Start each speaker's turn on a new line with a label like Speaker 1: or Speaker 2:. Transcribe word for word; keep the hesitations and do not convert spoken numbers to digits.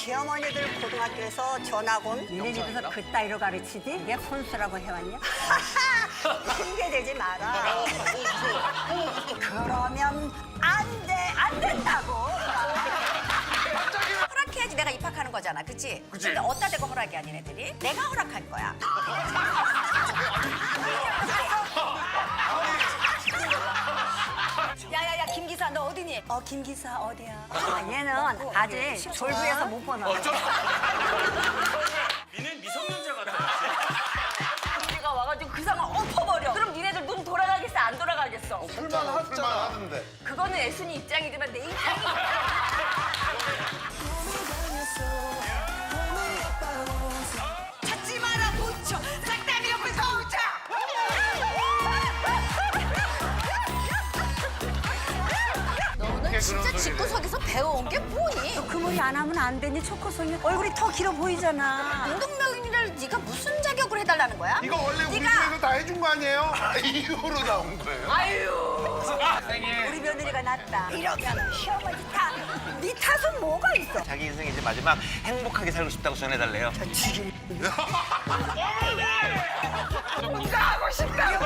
Speaker 1: 시어머니들 고등학교에서 전학 온.
Speaker 2: 니네 집에서 그따위로 가르치지? 이게 혼수라고 해왔냐?
Speaker 1: 핑계대지 마라. 그러면 안 돼, 안 된다고.
Speaker 3: 허락해야지 내가 입학하는 거잖아, 그치?
Speaker 4: 그치.
Speaker 3: 근데 어디다 대고 허락이 아닌 애들이? 내가 허락할 거야. 야야야 김기사 너 어디니? 어 김기사 어디야?
Speaker 2: 아, 얘는 아직 졸부에서 못 보나.
Speaker 5: 니는 미성년자 같아.
Speaker 3: 우리가 와가지고 그 상황 엎어버려. 그럼 니네들 눈 돌아가겠어 안 돌아가겠어?
Speaker 4: 쓸만하던데.
Speaker 3: 그거는 애순이 입장이지만 내 입장이 찾지 마라 무쳐 싹 다 밀어볼 성차 너는 진짜 집구석에서 배워온 게 뭐니?
Speaker 2: 그 머리 안 하면 안 되니 초코송이 얼굴이 더 길어 보이잖아.
Speaker 3: 운동명인을 네가 무슨 자격으로 해달라는 거야?
Speaker 4: 이거 원래 우리
Speaker 3: 네가
Speaker 4: 집에서 다 해준 거 아니에요? 아, 이거로 나온 거예요?
Speaker 3: 아유
Speaker 2: 우리 며느리가 낫다. 이러면 시어머니 탓. 네 탓은 뭐가 있어?
Speaker 5: 자기 인생 이제 마지막 행복하게 살고 싶다고 전해달래요.
Speaker 3: 가고 싶다고